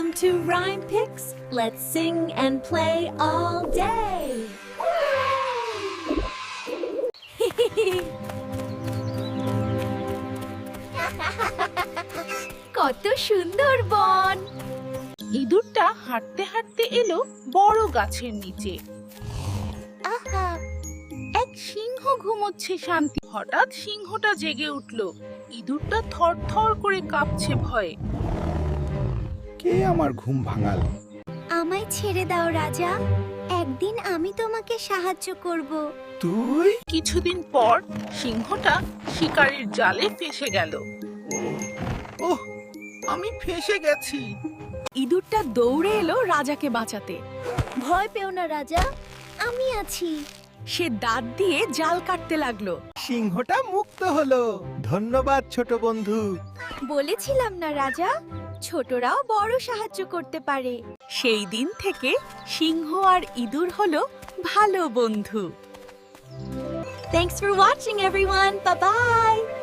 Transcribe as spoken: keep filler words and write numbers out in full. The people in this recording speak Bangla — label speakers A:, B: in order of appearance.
A: Welcome to Rhyme Picks. Let's sing and play all day. কত সুন্দর বন।
B: ইঁদুরটা হাঁটতে হাঁটতে এলো বড় গাছের নিচে। আহা, এক সিংহ ঘুমোচ্ছে শান্তি। হঠাৎ সিংহটা জেগে উঠলো। ইঁদুরটা থরথর করে কাঁপছে ভয়ে।
C: কে আমার ঘুম ভাঙাল?
D: আমায় ছেড়ে দাও রাজা, একদিন আমি তোমাকে সাহায্য করব।
C: তুই?
B: কিছুদিন পর সিংহটা শিকারীর জালে ফেঁসে গেল।
C: ওহ, আমি ফেঁসে গেছি।
A: ইঁদুরটা দৌড়ে এলো রাজাকে বাঁচাতে।
D: ভয় পেও না রাজা, আমি আছি।
A: সে দাঁত দিয়ে জাল কাটতে লাগলো।
C: সিংহটা মুক্ত হলো। ধন্যবাদ ছোট বন্ধু।
D: বলেছিলাম না রাজা, ছোটরাও বড় সাহায্য করতে পারে।
A: সেই দিন থেকে সিংহ আর ইঁদুর হলো ভালো বন্ধু। Thanks for watching everyone. Bye bye.